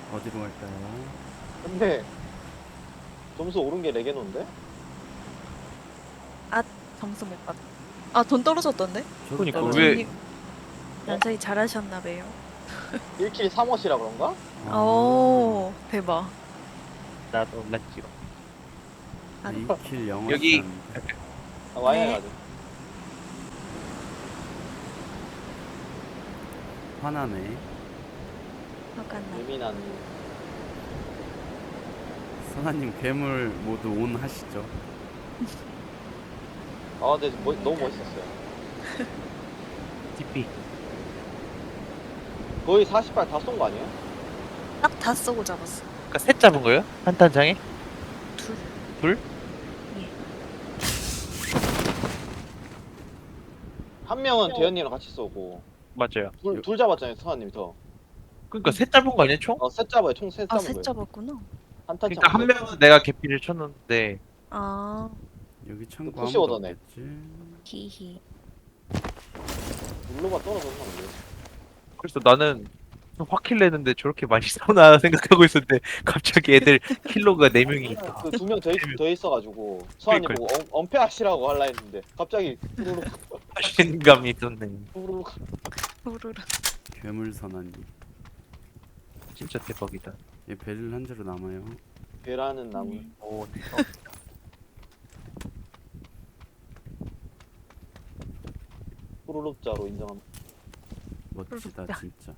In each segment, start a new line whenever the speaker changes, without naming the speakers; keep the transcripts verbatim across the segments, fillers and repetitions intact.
어디로 갈까요?
근데 점수 오른 게 레게노인데?
아, 점수 못 받. 아, 돈 떨어졌던데?
저도
그러니까
떨어요.
왜-
연서님, 연서이 잘하셨나 봐요.
일 킬 삼 헛이라 그런가?
아,
오, 대박.
나도 몰랐지.
아,
이 킬 영어
여기-
시간인데.
아, 와이어
네.
가자.
화나네.
화가 나.
예민한.
선아님 괴물 모두 온 하시죠.
아, 근데 뭐, 너무 멋있었어요.
티피.
거의 사십 발 다 쏜 거 아니에요?
딱 다 쏘고 잡았어.
그러니까 셋 잡은 거예요? 한 탄장에?
둘.
둘?
예.
한 명은 대현님이랑 같이 쏘고
맞아요.
둘, 둘 잡았잖아요, 서한님이 더.
그러니까 셋 잡은 거 아니야 총?
어, 셋 잡아요. 총 셋
아,
잡은
셋
거예요.
잡았구나.
한 탄
그러니까 한
셋.
명은 내가 개피를 쳤는데
아,
여기 창고
푸시
아무도
오더네.
없겠지.
히히.
물로가 떨어졌나 보네.
그래서 나는 확킬 내는데 저렇게 많이 싸우나 생각하고 있었는데 갑자기 애들 킬로가 네 명이 있다.
그 두 명 더 더 있어가지고 서한님
그러니까요.
보고 엄, 엄폐하시라고 할라 했는데 갑자기 후루룩
자신감이 있었네.
후루룩.
후루룩.
괴물 선아님.
진짜 대박이다.
얘 베릴 한 자루 남아요.
배라는 나무.
음.
오,
후루룩자로 인정합니다.
멋지다
그렇다.
진짜.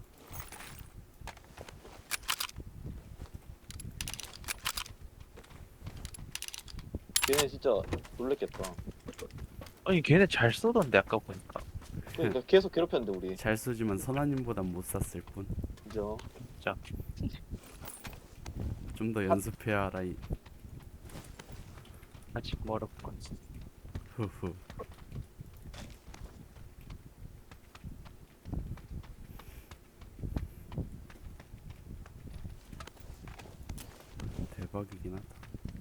걔네 진짜 놀랬겠다.
아니 걔네 잘 쏘던데 아까 보니까.
그러니까 계속 괴롭혔는데 우리.
잘 쏘지만 선아님보단 못 쐈을 뿐.
그죠?
진짜.
좀 더 연습해야 알아. 이
아직 멀었건.
후후. 대박이긴 하다.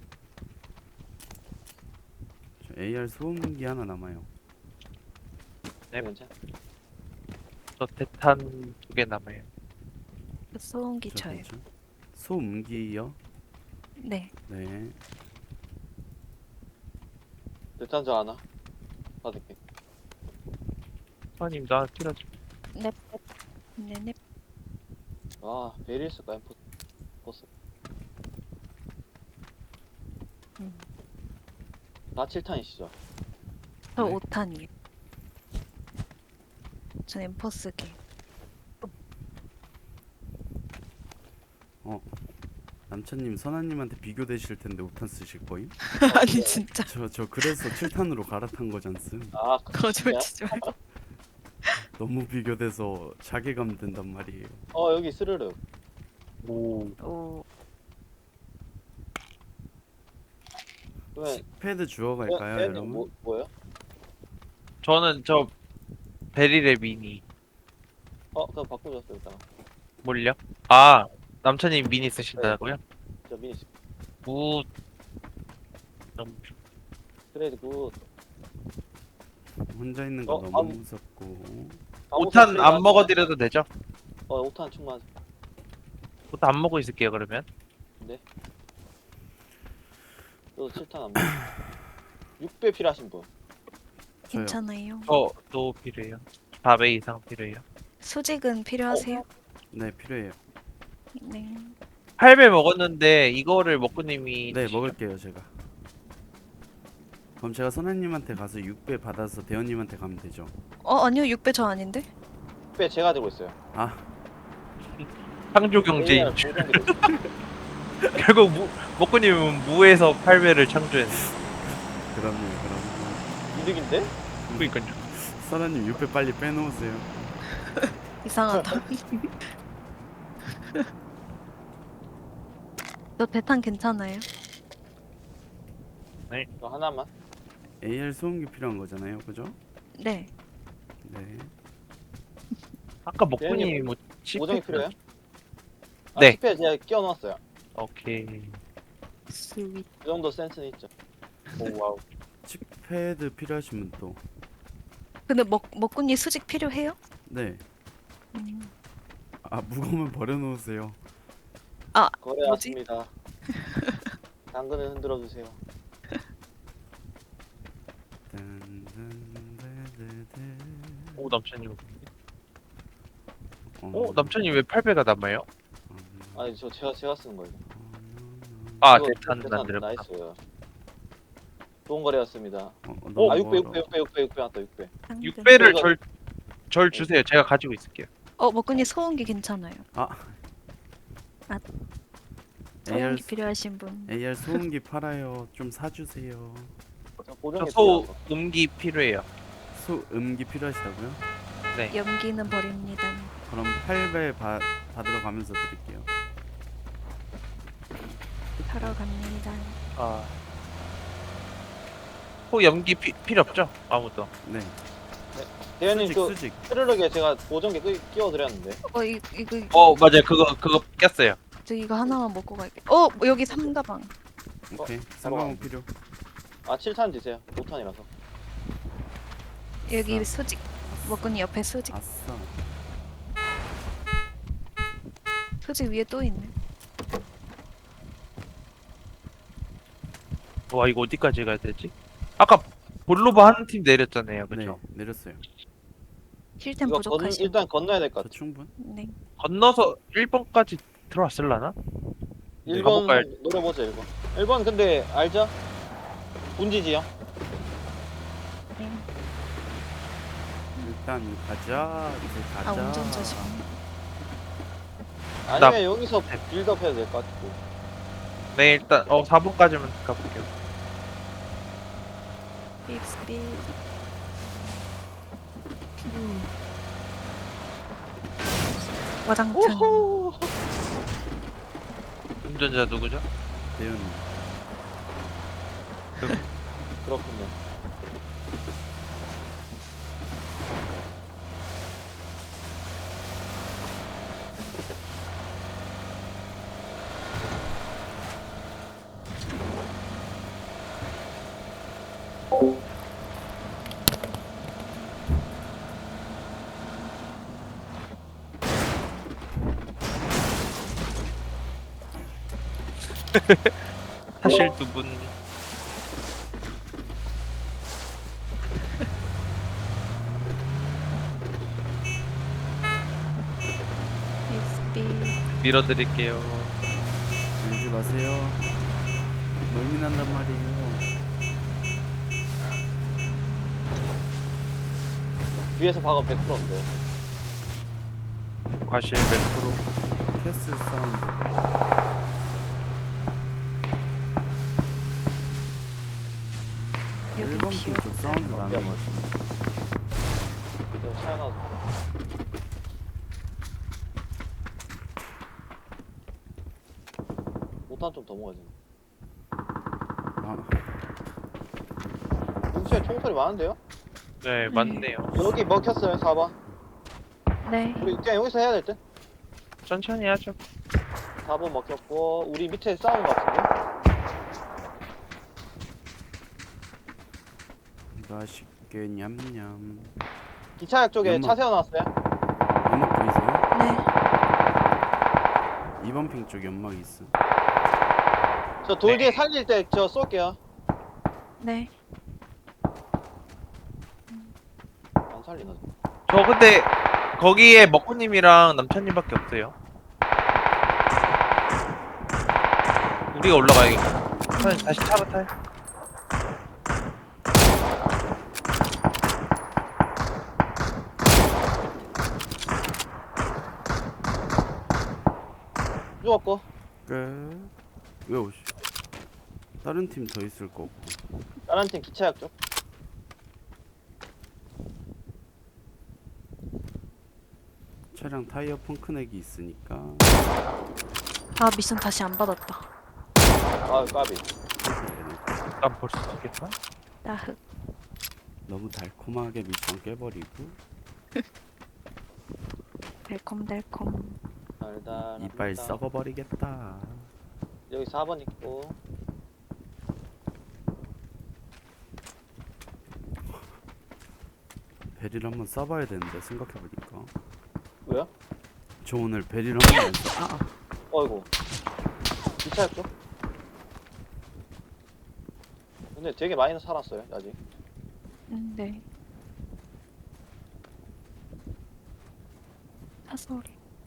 저 에이알 소음기 하나 남아요.
네.
괜찮아.
저 대탄 두 개 남아요.
소음기
저
쳐요.
뭐죠? 소음기요?
네.
네.
대탄자 하나. 받을게.
선님 나 킬러줘.
넵. 네넵.
아, 베릴스가 엠포 보스.
음.
다 칠 탄이시죠?
저
네.
오 탄이에요. 전 엠퍼스기.
남천님 선아님한테 비교되실 텐데 오탄 쓰실 거임?
아니 진짜.
저 저 그래서 칠 탄으로 갈아탄 거잖음.
아,
거짓말
진짜?
치지 말고.
너무 비교돼서 자괴감 든단 말이에요.
어, 여기 스르륵.
오.
오.
그러면
패드 주워 갈까요,
대현님
여러분?
뭐, 뭐예요?
저는 저 베릴의 미니.
어, 그럼 바꾸셨어요, 일단.
뭘요? 아 남천님 미니 쓰신다고요?
저 미니
우. 너무
트레이드 굿.
혼자 있는 거
어,
너무
안-
무섭고.
오탄 안 먹어드려도 되죠?
어, 오탄 충만.
오탄 안 먹고 있을게요 그러면.
네. 저도 칠 탄 안 먹어. 육 배 필요하신 분.
저요.
괜찮아요.
저도 필요해요. 사 배 이상 필요해요.
수직은 필요하세요?
네, 필요해요.
네.
팔 배 먹었는데 이거를 먹구님이
네,
드시죠?
먹을게요, 제가. 그럼 제가 선아님한테 가서 육 배 받아서 대현님한테 가면 되죠.
어 아니요 육 배 저 아닌데?
육 배 제가 들고 있어요.
아,
창조 경제인
에이알
줄.
보정기도 있어요.
결국 무, 먹구님은 무에서 팔 배를 창조했네.
그럼요, 그럼.
이득인데?
그러니까요.
선아님 육 배 빨리 빼놓으세요.
이상하다. 저 대탄 괜찮아요?
저 하나만.
에이알 소음기 필요한 거잖아요, 그죠?
네.
네.
아까 먹구님이
대현님,
뭐
보정이
십 회
필요해요? 아,
네.
십 회 제가 끼워 넣었어요.
오케이.
스윗.
그 정도 센스는 있죠.
오 와우.
칩패드 필요하신 분 또.
근데 먹 먹군이 수직 필요해요?
네.
음.
아, 무거우면 버려놓으세요.
거래했습니다. 당근을 흔들어 주세요.
오 남천님.
어,
어 남천님 왜 팔 배가 남아요?
아니 저 제가 제가 쓰는 거예요.
아
이거
대탄
대탄
만들었다.
나이스요. 좋은 거래였습니다.
어, 어,
아
너무
육 배 육 배
멀어.
육 배 육 배 육 배 왔다 육 배.
당근.
육 배를
이거-
절, 절 주세요. 제가 가지고 있을게요.
어 먹군이 소음기 괜찮아요.
에이알
소음기 필요하신 분.
에이알 소음기 팔아요. 좀 사주세요.
저
저
보정기
소
필요하고.
음기 필요해요.
소음기 필요하시다고요?
네.
연기는 버립니다.
그럼 팔 배 받으러 가면서 드릴게요.
사러 갑니다.
아. 소 염기 피, 필요 없죠? 아무도.
네.
대현님
수직
그
수직.
스르륵에 제가 보정기 끼- 끼워드렸는데.
어 이, 이거
어 맞아요. 그거 그거 꼈어요.
저 이거 하나만 먹고 갈게. 어 뭐 여기 삼가방.
오케이.
어,
삼방울 필요.
아 칠 탄 주세요. 오 탄이라서.
여기
아싸.
수직. 먹군이 옆에 수직.
아싸.
수직 위에 또 있네.
와 이거 어디까지 가야 되지? 아까 볼로바 하는 팀 내렸잖아요.
네,
그렇죠?
내렸어요.
힐템
이거 건,
부족하시죠?
일단 건너야 될 것
저
같아.
충분?
네.
건너서 일 번까지 들어왔을라나?
네.
일 번
가볼까요?
노려보자 일 번. 일 번 근데 알죠? 분지지요.
네.
일단 가자. 이제 가자.
아 운전자시.
아니면 여기서 빌드업 해도 될 것 같고.
네 일단 어 사 번까지만 가볼게요.
스피드 스피드. 와장창.
오호.
운전자 누구죠?
대현.
그렇군요.
사실 두 분.
스피드 스피드.
밀어드릴게요.
밀지 마세요. 멀미난단 말이에요.
위에서 박으면 백 퍼센트인데.
과실 백 퍼센트.
캐슬 사운드.
여기
일 번
비어.
핑쪽 사운드 나는 거 같아.
이거 차가 오 탄 좀 더 먹어야 돼.
아,
근처에 총소리 많은데요?
네 맞네요.
여기 먹혔어요 사 번.
네.
우리 그냥 여기서 해야 될 듯?
천천히 하죠.
사 번 먹혔고 우리 밑에 싸운 것 같은데?
맛있게 냠냠.
기차역 쪽에
연막.
차 세워놨어요?
연막 보이세요?
네.
이 번 핑 쪽 연막 있어.
저 돌 뒤에
네.
살릴 때 저 쏠게요.
네.
안 살리나?
저 근데 거기에 먹구님이랑 남천님밖에 없어요. 우리가 올라가야겠다. 타- 다시 차로 타요.
죽었고.
끝. 왜 오시? 다른 팀 더 있을 거고.
다른 팀 기차역 쪽.
차량 타이어 펑크넥이 있으니까.
아 미션 다시 안 받았다.
아 까비.
난 벌써 죽겠다.
나흑.
너무 달콤하게 미션 깨버리고
달콤달콤.
달달합니다.
이빨 썩어버리겠다.
여기 사 번 있고.
베릴 한번 써봐야 되는데 생각해보니까
왜요?
저 오늘 베릴 한번 안 써. 아,
어이구. 괜찮았죠? 근데 되게 많이 살았어요 아직.
음, 네. 사소리.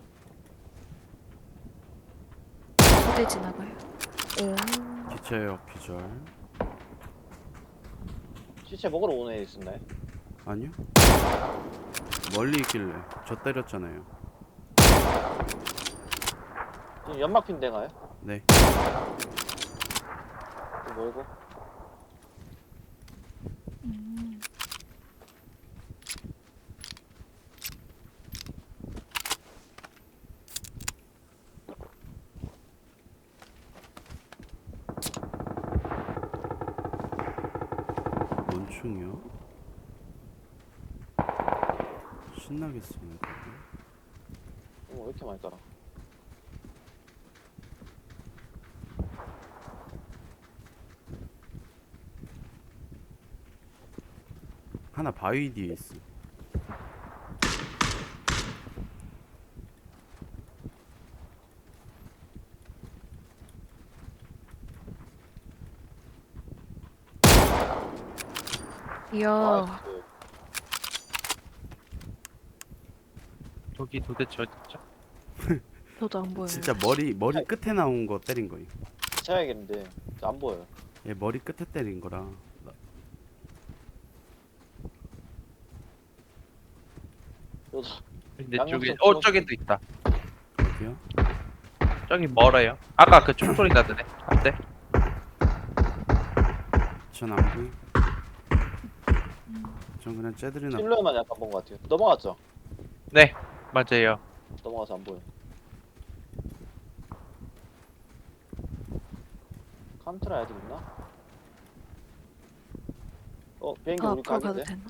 두대 지나가요. 오.
기차역 기절.
시체 먹으러 오는 애 있었나요?
아니요. 멀리 있길래 저 때렸잖아요.
지금 연막핀 대가요?
네.
좀 멀고.
음.
뭔 총이요? 신나게 쏘는 거.
어머 왜 이렇게 많이 따라?
하나 바위 뒤에 있어.
이야.
나이스.
저기 도대체 어딨죠?
저도 안 보여요.
진짜 머리 머리 끝에 나온 거 때린 거예요.
쳐야겠는데 안 보여요.
얘 머리 끝에 때린 거라.
저도
근데
양옆
저기
좀
어
찍어줘.
저기도 있다.
어디요?
저기 멀어요. 아까 그 총소리 나더네. 안돼.
전 안 보이. 전 그냥 쟤들이나.
실루엣만 약간 본 것 같아요. 넘어갔죠?
네 맞아요.
넘어가서 안 보여. 칸트라 애들 있나? 어 비행기
아,
우리
앞으로 가도
각인데?
되나?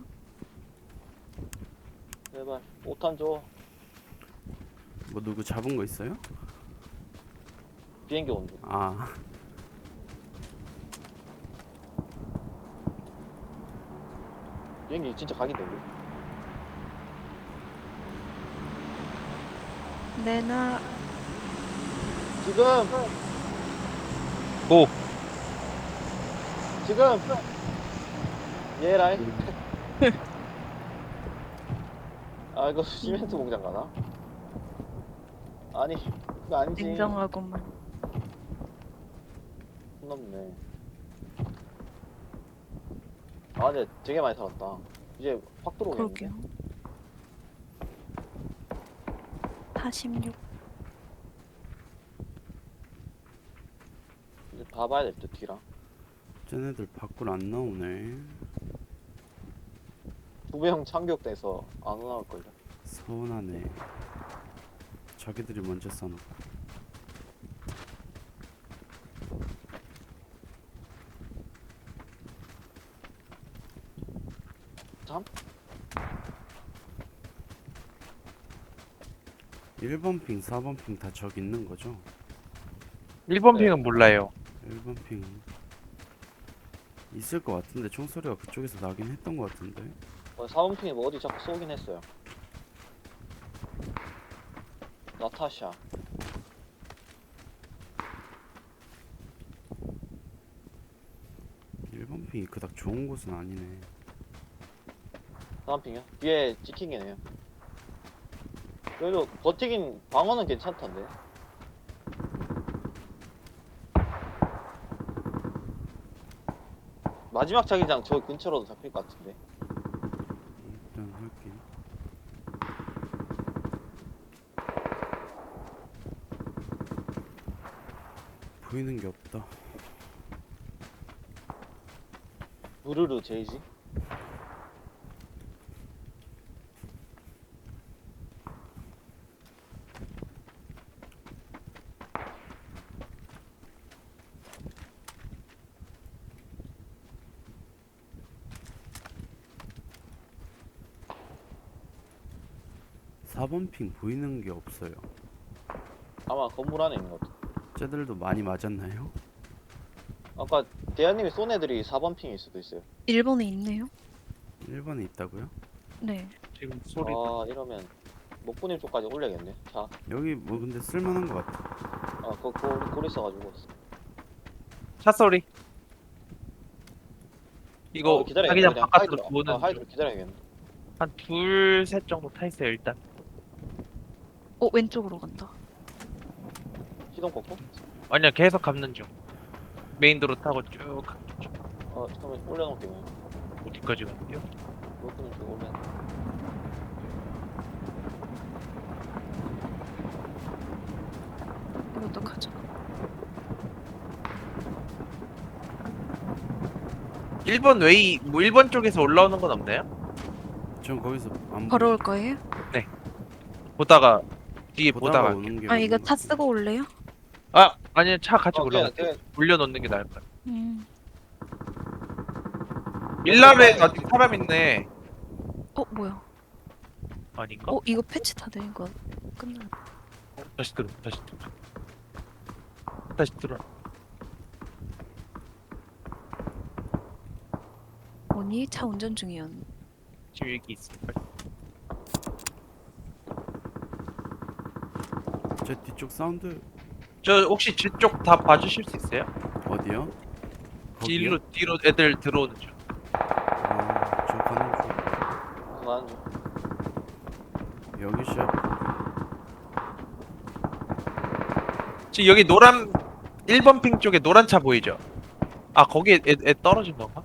제발 오탄 줘.
뭐 누구 잡은 거 있어요?
비행기 온다.
아.
비행기 진짜 각인데 우리.
내나
지금
오
지금 예라이. 아 이거 시멘트 공장 가나? 아니 그거 아니지.
냉정하고만.
손 넘네. 아 근데 되게 많이 살았다. 이제 확 들어오겠는데.
그러게요. 사십육.
이제 봐봐야 될 듯 뒤랑.
쟤네들 밖으로 안 나오네.
두배형 참격돼서 안 나올걸요.
서운하네. 자기들이 먼저 써놓고.
참?
일 번 핑, 사 번 핑 다 저기 있는 거죠?
일 번
네.
핑은 몰라요.
일 번 핑 있을 것 같은데 총소리가 그쪽에서 나긴 했던 것 같은데.
어, 사원핑이 뭐 어디 자꾸 쏘긴 했어요. 나타샤.
일 번 핑이 그닥 좋은 곳은 아니네.
사원핑이요? 뒤에 찍히긴 해요. 그래도 버티긴 방어는 괜찮던데. 마지막 자기장 저 근처로도 잡힐 것 같은데.
일단 할게. 보이는 게 없다.
부르르 제이지?
사 번 핑 보이는 게 없어요.
아마 건물 안에 있는 것 같아.
쟤들도 많이 맞았나요?
아까 대한님이 쏜 애들이 사 번 핑일 수도 있어요.
일본에 있네요.
일 번에 있다고요?
네.
지금 소리.
아 이러면 목구님 쪽까지 올려야겠네. 자
여기 뭐 근데 쓸만한 것 같아.
어, 그, 그, 우리 골 있어가지고.
차 소리. 이거
어, 기다려.
자기장
그냥
바깥으로
하이드로.
보는
어, 하이드로 기다려야겠네.
한 둘 셋 정도 타 있어요 일단.
어 왼쪽으로 간다.
시동 꺾고.
아니야 계속 감는 중. 메인 도로 타고 쭉
어, 잠깐만 올려놓을게. 그냥.
어디까지 가는데요?
그것도 좀 올려.
이것도 가자.
일 번 웨이 뭐 일 번 쪽에서 올라오는 건 없나요?
전 거기서 안
바로
보이-
올 거예요?
보다가 뒤에
보다가
보다가.
오는 게
아 이거
맞는
차
것
쓰고 올래요?
아 아니 차 같이
어, 그냥,
올라갈게요.
그냥
올려놓는 게 나을 것 같아.
음.
밀라베 아직 사람 있네.
어 뭐야?
아닌가?
어 이거 패치 다 된 거 끝나.
다시 들어 다시 들어 다시 들어.
언니 차 운전 중이었네.
지금 여기 있어.
제 뒤쪽 사운드
저 혹시 뒤쪽 다 봐주실 수 있어요?
어디요? 거기요?
뒤로 뒤로 애들 들어오는 중.
어, 저 가는
그만하는 중.
중 여기 시작.
지금 여기 노란 일 번 핑 쪽에 노란 차 보이죠? 아 거기에 애, 애 떨어진 건가?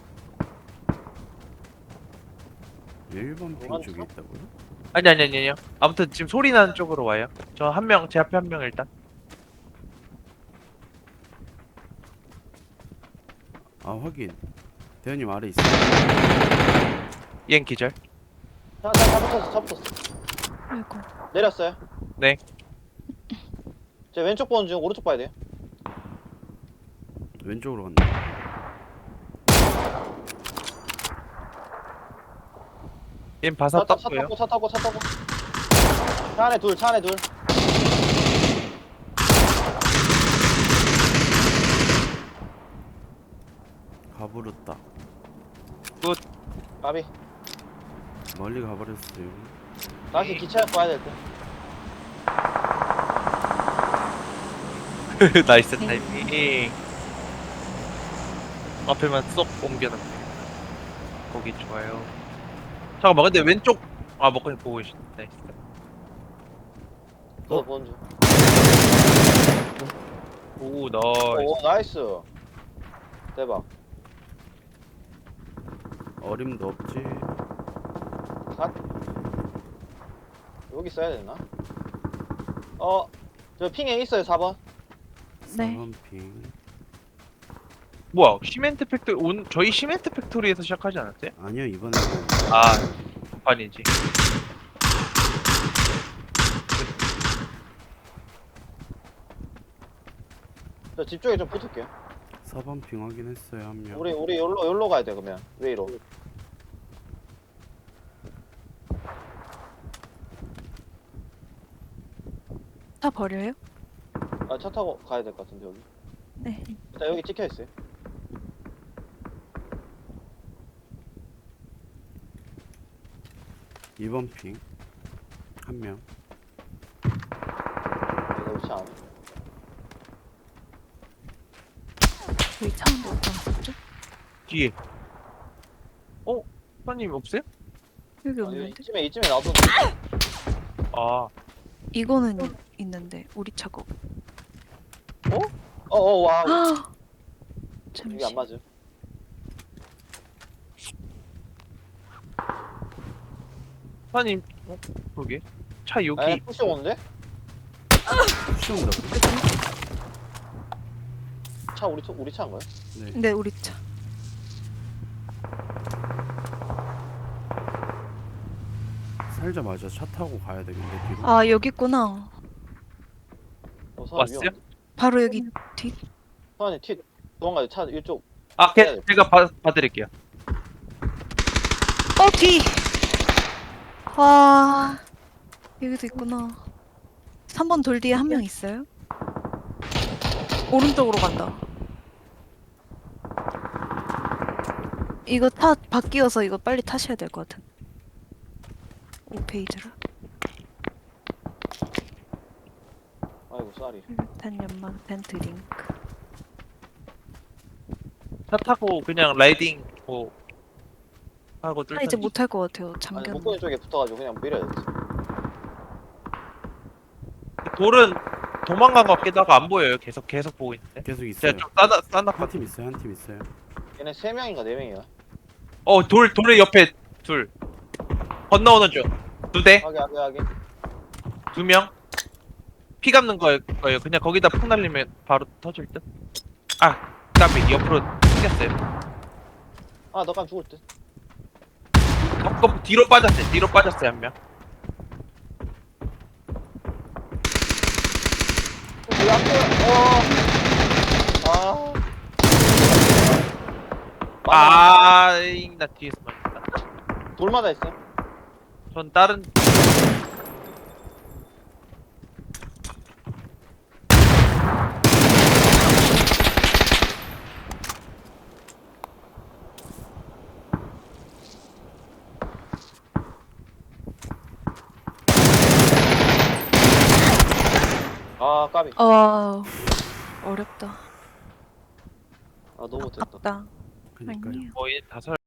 일 번 핑
노란
쪽에
차?
있다고요?
아니 아니 아니 아니요. 아무튼 지금 소리 나는 쪽으로 와요. 저 한 명 제 앞에 한 명 일단.
아 확인. 대현님 아래 있어.
얜 기절.
차, 차, 차 붙었어, 차 붙었어.
아이고.
내렸어요.
네.
제 왼쪽 보는 중, 오른쪽 봐야 돼요.
왼쪽으로 간다.
얜 바사
차, 차, 차
떴고요.
타고, 차 타고, 차 타고. 차 안에 둘, 차 안에 둘.
가버렸다.
까비.
멀리 가버렸어요.
다시 기차 가야 될 듯.
나이스 타이밍. 앞에만 쏙 옮겨놨네. 거기 좋아요. 잠깐만 근데 왼쪽 아 먹고 보고 계시네. 나이스.
또 보는 중.
오 나이스.
오, 나이스. 대박.
어림도 없지.
갓. 여기 써야 되나? 어, 저 핑에 있어요, 사 번.
네.
사 번 핑.
뭐야 시멘트 팩토리 온 저희 시멘트 팩토리에서 시작하지 않았어요?
아니요 이번에는
아 반이지.
저 집 쪽에 좀 붙을게요.
사 번 핑 확인했어요 한 명.
우리, 우리 여기로, 여기로 가야 돼, 그러면. 웨이로.
차 버려요?
아, 차 타고 가야 될 것 같은데, 여기.
네.
일단 여기 찍혀 있어요.
이 번 핑. 한 명.
여기 위치 안.
저희 차는 뭐 어디 갔었죠?
뒤에. 어? 사장님 없어요?
여기
아니,
없는데?
이쯤에, 이쯤에 놔둬.
아
이거는 있는데 우리 차고.
어, 어, 와.
아.
여기
잠시.
안 맞음.
사장님 어? 그러게 차 여기
에? 푸시 오는데?
푸시온다.
차 우리 차 우리 차인 거야?
네.
네 우리 차.
살자마자 차 타고 가야 되는데 뒤로.
아 여기 있구나.
어, 사람
왔어요?
위험한데?
바로 여기 뒤.
사장님 튀 도망가요. 차 이쪽.
아 걔, 제가 봐, 봐드릴게요.
어 뒤. 와 여기도 있구나. 삼 번 돌 뒤에 한 명 있어요. 오른쪽으로 간다. 이거 타 바뀌어서 이거 빨리 타셔야 될 것 같은. 오 페이지라.
아이고 쌀이.
일단 연막 된 드링크.
차 타고 그냥 라이딩 뭐 하고
아
뚫던지.
이제 못할 것 같아요.
아니
잠겨.
목걸이 쪽에 붙어가지고 그냥 밀어야 돼.
돌은 도망간 것 같기도 하고 안 보여요. 계속 계속 보고 있는데.
계속 있어요.
제가 좀 싸나 싸나.
한 팀 있어요. 한 팀 있어요.
얘네 세 명인가 네 명이야.
어돌 돌의 옆에 둘 건너오는 중. 두 대,
하게 하게 하게.
두 명. 피 감는 거예요. 거예요. 그냥 거기다 폭 날리면 바로 터질 듯. 아, 까비 옆으로 튕겼어요.
아 너감 죽을 듯.
거 뒤로 빠졌어요. 뒤로 빠졌어요 한 명.
왜 앞에? 어. 아.
아, 잉, 나 뒤에서 맞았다.
돌마다 있어.
전 다른
아 까비.
어 어렵다.
아 너무 못했다.
아깝다.
그니까요.
아니에요.
거의 다섯